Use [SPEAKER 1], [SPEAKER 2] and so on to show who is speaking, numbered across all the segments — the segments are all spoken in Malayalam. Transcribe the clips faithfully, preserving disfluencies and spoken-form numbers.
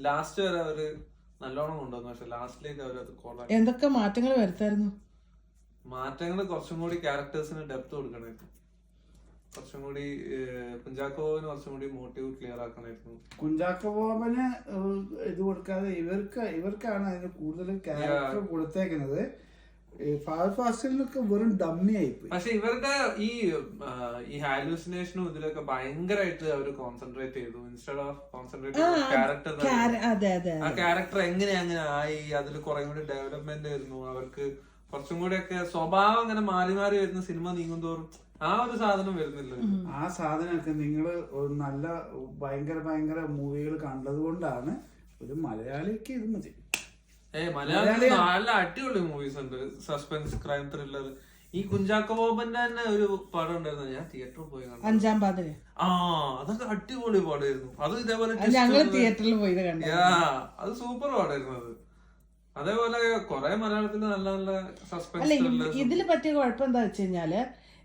[SPEAKER 1] ലാസ്റ്റ് വരെ അവര് നല്ലോണം കൊണ്ടുവന്നു. പക്ഷെ ലാസ്റ്റിലേക്ക് അവരത് കൊള്ളാം.
[SPEAKER 2] എന്തൊക്കെ മാറ്റങ്ങൾ വരുത്തായിരുന്നു?
[SPEAKER 1] മാറ്റങ്ങൾ കുറച്ചും കൂടി ക്യാരക്ടേഴ്സിന് ഡെപ്ത് കൊടുക്കണമായിരുന്നു. കുറച്ചും കൂടി കുഞ്ചാക്കോ ബോബന് കുറച്ചും കൂടി മോട്ടീവ് ക്ലിയർ ആക്കണമായിരുന്നു.
[SPEAKER 3] കുഞ്ചാക്കോ ബോബന് ഇത് കൊടുക്കാതെ ഇവർക്ക് ഇവർക്കാണ് അതിന് കൂടുതൽ ക്യാരക്ടർ കൊടുത്തേക്കുന്നത്. ഫഹദ് ഫാസിലിനൊക്കെ വെറും ഡമ്മി ആയിപ്പോയി.
[SPEAKER 1] പക്ഷെ ഇവരുടെ ഈ ഈ ഹാലൂസിനേഷനും ഇതിലൊക്കെ ഭയങ്കരമായിട്ട് അവർ കോൺസെൻട്രേറ്റ് ചെയ്തു. ഇൻസ്റ്റെഡ് ഓഫ് കോൺസെൻട്രേറ്റ് ക്യാരക്ടർ ആ ക്യാരക്ടർ എങ്ങനെ അങ്ങനെ ആയി, അതിൽ കുറെ കൂടി ഡെവലപ്മെന്റ് ആയിരുന്നു. അവർക്ക് കുറച്ചും കൂടി ഒക്കെ സ്വഭാവം അങ്ങനെ മാറി മാറി വരുന്ന സിനിമ നീങ്ങുന്തോറും ആ ഒരു സാധനം വരുന്നില്ല.
[SPEAKER 3] ആ സാധനമൊക്കെ നിങ്ങള് നല്ല ഭയങ്കര ഭയങ്കര മൂവികൾ കണ്ടത് കൊണ്ടാണ്. ഒരു മലയാളിക്ക് ഇത് മതി.
[SPEAKER 1] ഏ മലയാളത്തിൽ നല്ല അടിപൊളി മൂവീസ് ഉണ്ട്, സസ്പെൻസ് ക്രൈം ത്രില്ലർ. ഈ കുഞ്ചാക്കോ ബോബന്റെ തന്നെ ഒരു പടം ഉണ്ടായിരുന്നു, ഞാൻ തിയേറ്ററിൽ പോയി കണ്ടു,
[SPEAKER 2] അഞ്ചാം പാതിര.
[SPEAKER 1] ആ അതൊക്കെ അടിപൊളി പടമായിരുന്നു. അത് ഇതേപോലെ
[SPEAKER 2] തിയേറ്ററിൽ പോയി
[SPEAKER 1] അത് സൂപ്പർ പടമായിരുന്നു. അത് അതേപോലെ കൊറേ മലയാളത്തിൽ നല്ല നല്ല സസ്പെൻസ്.
[SPEAKER 2] ഇതില് പറ്റിയ കുഴപ്പം എന്താ വെച്ച് കഴിഞ്ഞാല്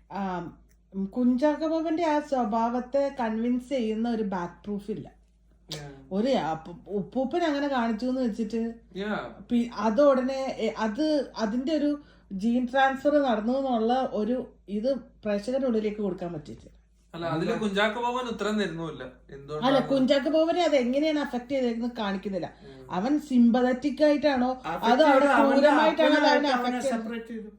[SPEAKER 2] കുഞ്ചാക്കോ ബോബന്റെ ആ സ്വഭാവത്തെ കൺവിൻസ് ചെയ്യുന്ന ഒരു ബാക്ക് പ്രൂഫ് ഇല്ല. ഒരു ഉപ്പൂപ്പൻ അങ്ങനെ കാണിച്ചു എന്ന് വെച്ചിട്ട് അത് ഉടനെ അത് അതിന്റെ ഒരു ജീൻ ട്രാൻസ്ഫർ നടന്നു എന്നുള്ള ഒരു ഇത് പ്രേക്ഷകരുടെ ഉള്ളിലേക്ക് കൊടുക്കാൻ പറ്റില്ല.
[SPEAKER 1] അല്ല കുഞ്ചാക്കോ ബോബൻ ഉത്തരം തരുന്നില്ല.
[SPEAKER 2] അല്ല കുഞ്ചാക്കോ ബോബനെ അത് എങ്ങനെയാണ് അഫക്ട് ചെയ്തേക്കുന്നത് കാണിക്കുന്നില്ല. അവൻ സിമ്പതറ്റിക് ആയിട്ടാണോ അത് അവിടെ ക്രൂരമായിട്ടാണോ അവനെ അഫക്ട് ചെയ്തത്?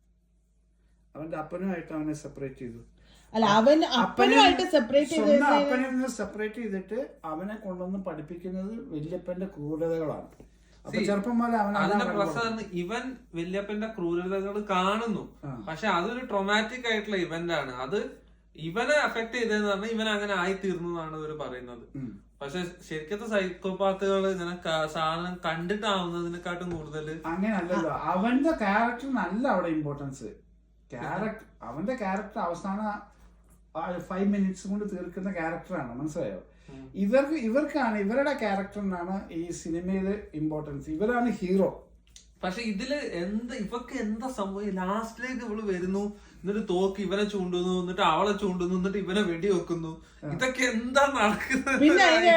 [SPEAKER 3] അവന്റെ അപ്പനുമായിട്ട് അവനെ സെപ്പറേറ്റ് ചെയ്തു.
[SPEAKER 2] അല്ല അവൻ അപ്പനുമായിട്ട് സെപ്പറേറ്റ് ചെയ്ത്
[SPEAKER 3] അപ്പനിൽ നിന്ന് സെപ്പറേറ്റ് ചെയ്തിട്ട് അവനെ കൊണ്ടുവന്ന് പഠിപ്പിക്കുന്നത് വല്യപ്പന്റെ ക്രൂരതകളാണ്. അപ്പൊ ചെറുപ്പം പോലെ അവൻ
[SPEAKER 1] ഇവൻ വല്യപ്പന്റെ ക്രൂരതകൾ കാണുന്നു. പക്ഷെ അതൊരു ട്രോമാറ്റിക് ആയിട്ടുള്ള ഇവന്റ് ആണ്. അത് ഇവനെ അഫക്ട് ചെയ്തതെന്ന് പറഞ്ഞാൽ ഇവൻ അങ്ങനെ ആയി തീർന്നതാണ് ഇവർ പറയുന്നത്. പക്ഷെ ശരിക്കത്തെ സൈക്കോപാത്തുകൾ ഇങ്ങനെ സാധനം കണ്ടിട്ടാവുന്നതിനെക്കാട്ടും കൂടുതൽ
[SPEAKER 3] അങ്ങനെയല്ലല്ലോ. അവന്റെ ക്യാരക്ടറിനല്ല അവിടെ ഇമ്പോർട്ടൻസ്. ക്യാരക്ടർ അവന്റെ ക്യാരക്ടർ അവസാന ഫൈവ് മിനിറ്റ്സ് കൊണ്ട് തീർക്കുന്ന ക്യാരക്ടറാണ്, മനസ്സിലായോ? ഇവർക്ക് ഇവർക്കാണ് ഇവരുടെ ക്യാരക്ടറിനാണ് ഈ സിനിമയില് ഇമ്പോർട്ടൻസ്. ഇവരാണ് ഹീറോ.
[SPEAKER 1] പക്ഷെ ഇതില് എന്താ ഇവക്ക് എന്താ സംഭവം? ലാസ്റ്റിലേക്ക് ഇവള് വരുന്നു, എന്നിട്ട് തോക്ക് ഇവനെ ചൂണ്ടുന്നു, എന്നിട്ട് അവളെ ചൂണ്ടുന്നു, എന്നിട്ട് ഇവനെ വെടി വെക്കുന്നു. ഇതൊക്കെ എന്താ നടക്കുന്നത്?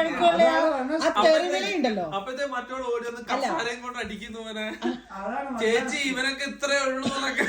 [SPEAKER 1] അപ്പഴത്തെ മറ്റോട് ഓടി വന്ന് കസാരയും കൊണ്ട് അടിക്കുന്നു ഇവനെ. ചേച്ചി ഇവനൊക്കെ ഇത്രേ ഉള്ളൂ എന്നൊക്കെ.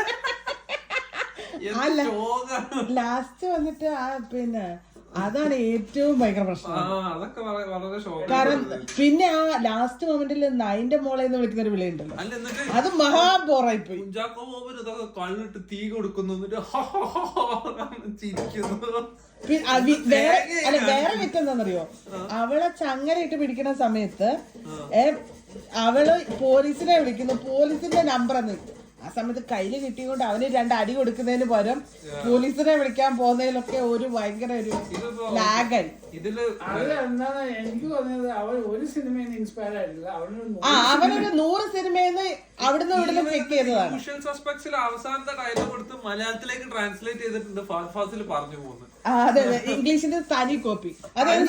[SPEAKER 2] ലാസ്റ്റ് വന്നിട്ട് ആ പിന്നെ അതാണ് ഏറ്റവും ഭയങ്കര പ്രശ്നം. കാരണം പിന്നെ ആ ലാസ്റ്റ് മൊമെന്റിൽ നൈന്റെ മോളെ എന്ന് വിളിക്കുന്ന ഒരു വിളിയുണ്ടല്ലോ, അത് മഹാബോറായി പോയി.
[SPEAKER 1] കുഞ്ചാക്കോ ബോബൻ ഇതൊക്കെ കള്ളിട്ട് തീ കൊടുക്കുന്നു, ചിരിക്കുന്നു.
[SPEAKER 2] അല്ല വേറെ വിറ്റെന്താന്നറിയോ, അവളെ ചങ്ങലയിട്ട് പിടിക്കുന്ന സമയത്ത് അവള് പോലീസിനെ വിളിക്കുന്നു, പോലീസിന്റെ നമ്പർ എന്ന്. ആ സമയത്ത് കയ്യില് കിട്ടിക്കൊണ്ട് അവന് രണ്ട് അടി കൊടുക്കുന്നതിന് പകരം പോലീസിനെ വിളിക്കാൻ പോകുന്നതിലൊക്കെ ഒരു ഭയങ്കര ഒരു ലാഗൻ.
[SPEAKER 3] എനിക്ക് തോന്നിയത് അവൻ ഒരു സിനിമയിൽ ഇൻസ്പയർ ആയിട്ടില്ല.
[SPEAKER 2] ആ അവനൊരു നൂറ് സിനിമയിൽ അവിടുന്ന് ഇവിടുന്ന് പിക്ക് ചെയ്തതാണ്.
[SPEAKER 1] അവസാനത്തെ ഡയലോഗ് കൊടുത്ത് മലയാളത്തിലേക്ക് ട്രാൻസ്ലേറ്റ് ചെയ്തിട്ടുണ്ട്. ഫഹദ് ഫാസിൽ പറഞ്ഞു പോകുന്നത്.
[SPEAKER 2] അതെ അതെ, ഇംഗ്ലീഷിന്റെ തനി കോപ്പി. അതായത്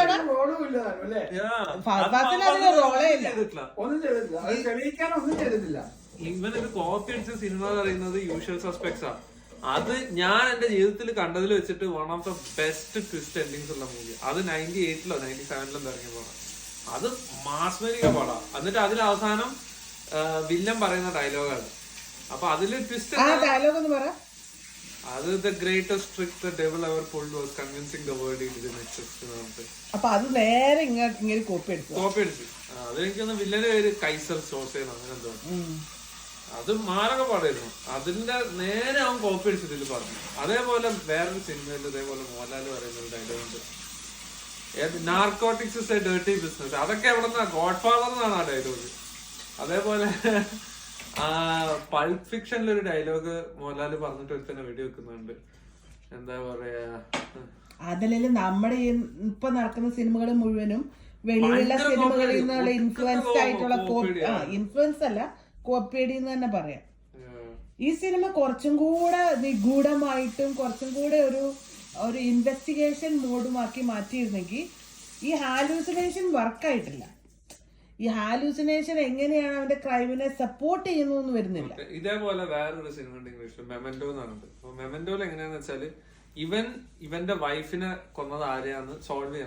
[SPEAKER 2] ഫഹദ് ഫാസിൽ അതിന് റോളേ ഇല്ല,
[SPEAKER 3] ഒന്നും ചെയ്തിട്ടില്ല, അത് തെളിയിക്കാനൊന്നും ചെയ്തിട്ടില്ല.
[SPEAKER 1] ഇവനൊരു കോപ്പി അടിച്ച സിനിമ എന്ന് പറയുന്നത് യൂഷ്വൽ സസ്പെക്ട്സ് ആണ്. അത് ഞാൻ എന്റെ ജീവിതത്തിൽ കണ്ടതിൽ വെച്ചിട്ട് one of the best twist endings ഉള്ള മൂവി. അത് നയൻറ്റി എയ്റ്റിലോ നയൻറ്റി സെവനിലോ ഇറങ്ങിയ പടം. അത് മാസ്മരിക പടം. എന്നിട്ട് അതിൽ അവസാനം വില്ലൻ പറയുന്ന ഡയലോഗാണ്. അപ്പൊ അതില് ട്വിസ്റ്റ് അത് the greatest trick the devil ever pulled was convincing the world it didn't exist എന്ന് പറഞ്ഞിട്ട്.
[SPEAKER 2] അപ്പൊ അത് നേരെ ഇങ്ങോട്ട് ഇങ്ങനെ കോപ്പി അടിച്ചു
[SPEAKER 1] കോപ്പി അടിച്ചു അതെനിക്കൊന്ന് വില്ലന്റെ പേര് കൈസർ സോസേന്ന് അങ്ങനെ എന്തോ. അത് മാരക പാടായിരുന്നു. അതിന്റെ നേരെ അവൻ കോപ്പി അടിച്ചതിൽ പറഞ്ഞു. അതേപോലെ വേറൊരു സിനിമയിൽ ഇതേപോലെ മോഹൻലാൽ പറയുന്ന ഒരു ഡയലോഗ് ഉണ്ട്, narcotics is a dirty business. അതൊക്കെ എവിടെ നിന്നാ? ഗോഡ് ഫാദർ എന്നാണ് ആ ഡയലോഗ്. അതേപോലെ ആ പൾപ്പ് ഫിക്ഷനിൽ ഒരു ഡയലോഗ് മോഹൻലാൽ പറഞ്ഞിട്ട് ഒരുത്തന്നെ വെടി വെക്കുന്നുണ്ട്. എന്താ പറയാ,
[SPEAKER 2] അതിലും നമ്മുടെ ഇപ്പൊ നടക്കുന്ന സിനിമകൾ മുഴുവനും വെളിയിലുള്ള സിനിമകളിൽ നിന്നുള്ള ഇൻഫ്ലുവൻസ്ഡ് ആയിട്ടുള്ള ഇൻഫ്ലുവൻസ് അല്ല കോപ്പിയടി എന്ന് തന്നെ പറയാം. ഈ സിനിമ കുറച്ചും കൂടെ നിഗൂഢമായിട്ടും കുറച്ചും കൂടെ ഒരു ഒരു ഇൻവെസ്റ്റിഗേഷൻ മോഡുമാക്കി മാറ്റിയിരുന്നെങ്കിൽ ഈ ഹാലൂസിനേഷൻ വർക്കായിട്ടില്ല. ഈ ഹാലൂസിനേഷൻ എങ്ങനെയാണ് അവന്റെ ക്രൈമിനെ സപ്പോർട്ട് ചെയ്യുന്നു എന്ന് വരുന്നില്ല.
[SPEAKER 1] ഇതേപോലെ വേറൊരു സിനിമ ഉണ്ട് ഇംഗ്ലീഷിൽ, മെമന്റോ എന്നാണ്. മെമന്റോയിൽ എങ്ങനെയാന്ന് വെച്ചാല് ഇവൻ ഇവന്റെ വൈഫിനെ കൊന്നത് ആരെയാന്ന് സോൾവ് ചെയ്യാൻ നോക്കാം.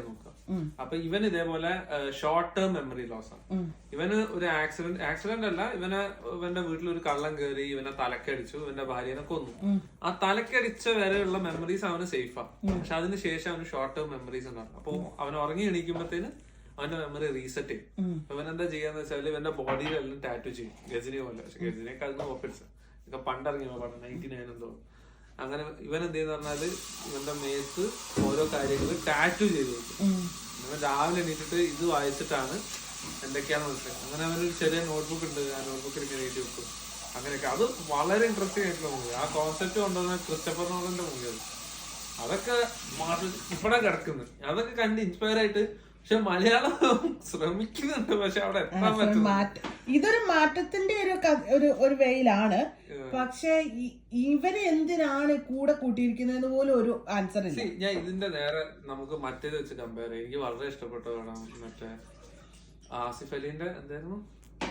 [SPEAKER 1] അപ്പൊ ഇവൻ ഇതേപോലെ ഷോർട്ട് ടേം മെമ്മറി ലോസ് ആണ്. ഇവന് ഒരു ആക്സിഡന്റ് ആക്സിഡന്റ് അല്ല, ഇവന് ഇവന്റെ വീട്ടിൽ ഒരു കള്ളം കയറി ഇവനെ തലക്കടിച്ചു, ഇവന്റെ ഭാര്യനെ കൊന്നു. ആ തലക്കടിച്ച വരെയുള്ള മെമ്മറീസ് അവന് സേഫാ. പക്ഷെ അതിന് ശേഷം അവന് ഷോർട്ട് ടേം മെമ്മറീസ് ഉണ്ടാവും. അപ്പൊ അവൻ ഉറങ്ങി എണീക്കുമ്പോഴത്തേന് അവന്റെ മെമ്മറി റീസെറ്റ് ചെയ്യും. ഇവൻ എന്താ ചെയ്യാന്ന് വെച്ചാല് ഇവന്റെ ബോഡിയിലെല്ലാം ടാറ്റു ചെയ്യും, ഗജനി പോലെ. പക്ഷെ ഗജനിയൊക്കെ അതിന് ഓപ്പിഡ്സ് ഇതൊക്കെ പണ്ടിറങ്ങിയ പടം നയൻറ്റി നയൻ എന്തോ. അങ്ങനെ ഇവൻ എന്ത് ചെയ്യുന്ന പറഞ്ഞാല് ഇവന്റെ മേത്ത് ഓരോ കാര്യങ്ങൾ ടാറ്റു ചെയ്ത് വെക്കും. ഇവൻ രാവിലെ എണീറ്റിട്ട് ഇത് വായിച്ചിട്ടാണ് എന്തൊക്കെയാന്ന് മനസ്സിലാക്കുക. അങ്ങനെ അവനൊരു ചെറിയ നോട്ട്ബുക്ക് ഉണ്ട്, ആ നോട്ട്ബുക്കിൽ ഇങ്ങനെ എഴുതി വെക്കും. അങ്ങനെയൊക്കെ അത് വളരെ ഇൻട്രസ്റ്റിംഗ് ആയിട്ടുള്ള മൂവി. ആ കോൺസെപ്റ്റ് കൊണ്ടുവന്ന ക്രിസ്റ്റഫർ നോളന്റെ മൂവിയാണ്. അതൊക്കെ ഇവിടെ കിടക്കുന്നു. അതൊക്കെ കണ്ട് ഇൻസ്പയർ ആയിട്ട്. പക്ഷെ മലയാളം ശ്രമിക്കുന്നുണ്ട്, പക്ഷെ അവിടെ എത്താൻ പറ്റും.
[SPEAKER 2] ഇതൊരു മാറ്റത്തിന്റെ ഒരു ഒരു ഒരു വേയിലാണ്. പക്ഷെ ഇവര് എന്തിനാണ് കൂടെ കൂട്ടിയിരിക്കുന്നതെന്ന് പോലും ഒരു ആൻസർ ഇല്ല.
[SPEAKER 1] ഞാൻ ഇതിന്റെ നേരെ നമുക്ക് മറ്റേത് വെച്ച് കമ്പയർ ചെയ്യാം. എനിക്ക് വളരെ ഇഷ്ടപ്പെട്ടതാണ് മറ്റേ ആസിഫ് അലിന്റെ എന്തായിരുന്നു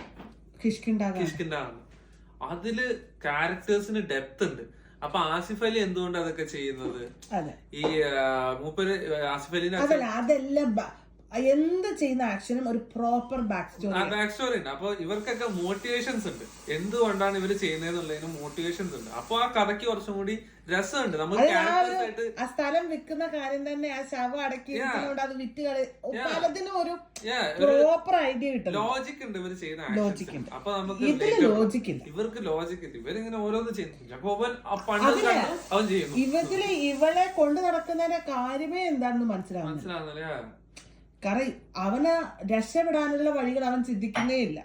[SPEAKER 1] കിഷ്കിന്ദ. അതില് ക്യാരക്ടേഴ്സിന് ഡെപ്ത് ഉണ്ട്. അപ്പൊ ആസിഫ് അലി എന്തുകൊണ്ട് അതൊക്കെ ചെയ്യുന്നത്? ഈ മൂപ്പര് ആസിഫ് അലിനെ
[SPEAKER 2] അതെല്ലാം എന്ത് ചെയ്യുന്ന ആക്ഷനും ഒരു proper back story
[SPEAKER 1] back story ഉണ്ട്. അപ്പൊ ഇവർക്കൊക്കെ മോട്ടിവേഷൻസ് ഉണ്ട്, എന്തുകൊണ്ടാണ് ഇവര് ചെയ്യുന്നതെന്നുള്ളതിന് മോട്ടിവേഷൻസ് ഉണ്ട്. അപ്പൊ ആ കഥയ്ക്ക് കുറച്ചും കൂടി രസമുണ്ട്. നമുക്ക്
[SPEAKER 2] ആ സ്ഥലം വിൽക്കുന്ന കാര്യം തന്നെ ആ ശവം അടക്കി അത് വിറ്റ് കളി ഒരു പ്രോപ്പർ ഐഡിയ കിട്ടും.
[SPEAKER 1] ലോജിക് ഉണ്ട് ഇവര് ചെയ്യുന്ന ലോജിക്. അപ്പൊ നമുക്ക്
[SPEAKER 2] ലോജിക് ഇല്ല,
[SPEAKER 1] ഇവർക്ക് ലോജിക് ഇല്ല. ഇവരിങ്ങനെ ഓരോന്ന് ചെയ്യുന്നില്ല. അപ്പൊ അവൻ പണ്ട് അവൻ ചെയ്യുന്നു.
[SPEAKER 2] ഇവത്തില് ഇവളെ കൊണ്ടു നടക്കുന്നതിന്റെ കാര്യമേ എന്താണെന്ന് മനസ്സിലാവും
[SPEAKER 1] മനസ്സിലാവുന്നില്ല.
[SPEAKER 2] കാരണം അവന് രക്ഷപ്പെടാനുള്ള വഴികൾ അവൻ ചിന്തിക്കുന്നേ ഇല്ല.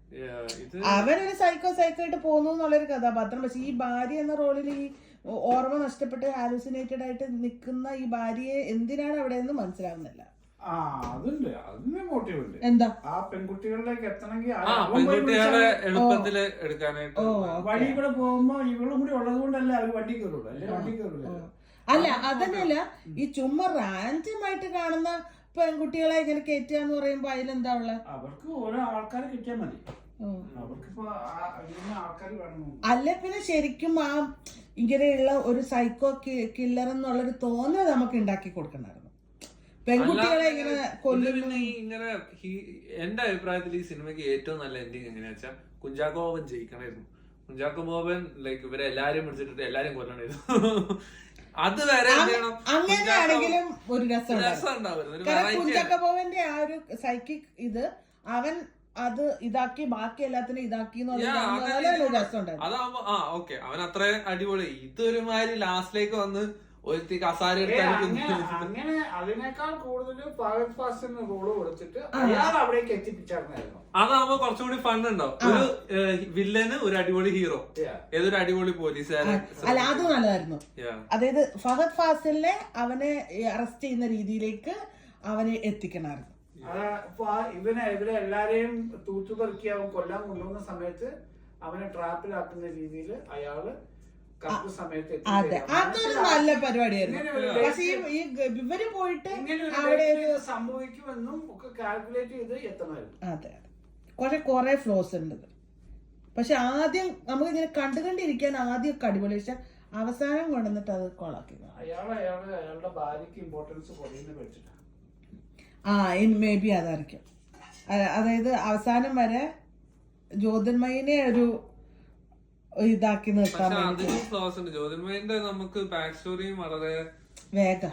[SPEAKER 2] അവനൊരു സൈക്കോ സൈക്കോ ആയിട്ട് പോകുന്നു എന്നുള്ളൊരു കഥാപാത്രം. പക്ഷെ ഈ ഭാര്യ എന്ന റോളിൽ ഈ ഓർമ്മ നഷ്ടപ്പെട്ട് ഹാലൂസിനേറ്റഡ് ആയിട്ട് നിൽക്കുന്ന ഈ ഭാര്യയെ എന്തിനാണ് അവിടെ നിന്ന് മനസ്സിലാവുന്നില്ല.
[SPEAKER 3] ആ അതുണ്ട്, അതിന് മോട്ടീവ് ഉണ്ട്.
[SPEAKER 2] എന്താ
[SPEAKER 3] ആ പെൺകുട്ടികളിലേക്ക് എത്തണമെങ്കിൽ
[SPEAKER 1] എളുപ്പത്തില് എടുക്കാനായിട്ട്
[SPEAKER 3] വഴി കൂടെ പോകുമ്പോ ഇവളും കൂടി ഉള്ളത് കൊണ്ടല്ലേ അവർ വണ്ടി കയറുള്ളൂ, അല്ലെ വണ്ടി കയറുള്ളൂ.
[SPEAKER 2] അല്ല അതന്നെയല്ല, ഈ ചുമ്മാ റാൻഡമായിട്ട് കാണുന്ന പെൺകുട്ടികളെ ഇങ്ങനെ കയറ്റുക എന്ന് പറയുമ്പോ അതിലെന്താ ഉള്ള?
[SPEAKER 3] അവർക്ക് ഓരോ ആൾക്കാരെ കിട്ടിയാൽ മതി. അവർക്കിപ്പോ ആൾക്കാർ വേണം.
[SPEAKER 2] അല്ല പിന്നെ ശരിക്കും ആ ഇങ്ങനെയുള്ള ഒരു സൈക്കോ കില്ലർ എന്നുള്ളൊരു തോന്നൽ നമുക്ക് ഉണ്ടാക്കി കൊടുക്കണ്ടായിരുന്നു. പെൺകുട്ടികളെ ഇങ്ങനെ കൊല്ലുന്ന
[SPEAKER 1] ഇങ്ങനെ. എന്റെ അഭിപ്രായത്തിൽ ഈ സിനിമയ്ക്ക് ഏറ്റവും നല്ല എൻഡിങ് എങ്ങനെയാ വെച്ചാൽ കുഞ്ചാക്കോ ബോബൻ ജയിക്കണായിരുന്നു. കുഞ്ചാക്കോ ബോബൻ ലൈക്ക് ഇവരെ എല്ലാരും പിടിച്ചിട്ട് എല്ലാരും കൊല്ലണായിരുന്നു. അത് വരെ
[SPEAKER 2] അങ്ങനെയാണെങ്കിലും ഒരു രസം കുഞ്ചാക്കോബോവന്റെ ആ ഒരു സൈക്കിക് ഇത് അവൻ അത് ഇതാക്കി ബാക്കി എല്ലാത്തിനും ഇതാക്കി
[SPEAKER 1] അതാവുമ്പോ ആ ഓക്കെ അവൻ അത്ര അടിപൊളി. ഇതൊരുമാതിരി ലാസ്റ്റിലേക്ക് വന്ന് ഒരു കസാര
[SPEAKER 3] അങ്ങനെ അതിനേക്കാൾ കൂടുതൽ ഫഹദ് ഫാസിലിന് റോള് കൊടുത്തിട്ട് അയാൾ അവിടേക്ക് എത്തിപ്പിച്ചായിരുന്നു.
[SPEAKER 1] അതാവുമ്പോ കുറച്ചുകൂടി ഫൺ ഉണ്ടാവും. ഒരു വില്ലന് ഒരു അടിപൊളി ഹീറോ, ഏതൊരു അടിപൊളി പോലീസുകാരൻ.
[SPEAKER 2] അല്ല അത് നല്ലതായിരുന്നു. അതായത് ഫഹദ് ഫാസിലിനെ അവനെ അറസ്റ്റ് ചെയ്യുന്ന രീതിയിലേക്ക് അവനെ എത്തിക്കണമായിരുന്നു.
[SPEAKER 3] ഇവനെ ഇവരെ എല്ലാരെയും തൂത്തുപെറുക്കി അവൻ കൊല്ലാൻ കൊണ്ടുപോകുന്ന സമയത്ത് അവനെ ട്രാപ്പിലാക്കുന്ന രീതിയിൽ അയാള്
[SPEAKER 2] അതെ അതൊരു നല്ല പരിപാടിയായിരുന്നു. പക്ഷെ ഈ ഇവര് പോയിട്ട് അവിടെ
[SPEAKER 3] സംഭവിക്കുമെന്നും ഒക്കെ കാൽക്കുലേറ്റ് ചെയ്ത് എത്തണമായിരുന്നു.
[SPEAKER 2] അതെ അതെ കുറെ കുറെ ഫ്ലോസ് ഉണ്ട്. പക്ഷെ ആദ്യം നമുക്ക് ഇങ്ങനെ കണ്ടു കണ്ടിരിക്കാൻ ആദ്യം അടിപൊളി, പക്ഷെ അവസാനം കൊണ്ടുവന്നിട്ട് അത് കൊളാക്കി.
[SPEAKER 3] അയാള് അയാള് അയാളുടെ ഭാര്യക്ക് ഇമ്പോർട്ടൻസ് കുറയുന്ന വെച്ചിട്ടാണ്.
[SPEAKER 2] ആ മേ ബി അതായിരിക്കും. അതായത് അവസാനം വരെ ജ്യോതിർമയിനെ ഒരു ഇതാക്കി നിർത്താൻ
[SPEAKER 1] ജ്യോതിർമയിന്റെ നമുക്ക് ബാക്ക് സ്റ്റോറിയും വളരെ
[SPEAKER 2] വേഗം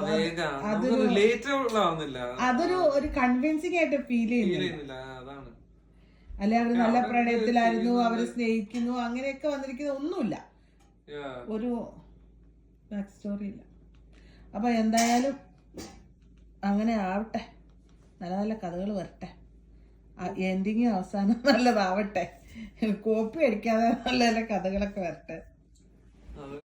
[SPEAKER 2] അതൊരു ഒരു കൺവിൻസിംഗ് ആയിട്ട് ഫീൽ ചെയ്യുന്നില്ല. അല്ലെ അവര് നല്ല പ്രണയത്തിലായിരുന്നു, അവര് സ്നേഹിക്കുന്നു, അങ്ങനെയൊക്കെ വന്നിരിക്കുന്ന ഒന്നുമില്ല, ഒരു ബാക്ക് സ്റ്റോറി ഇല്ല. അപ്പൊ എന്തായാലും അങ്ങനെ ആവട്ടെ, നല്ല നല്ല കഥകൾ വരട്ടെ, എൻഡിങ് അവസാനം നല്ലതാവട്ടെ, കോപ്പി അടിക്കാതെ നല്ല നല്ല കഥകളൊക്കെ വരട്ടെ.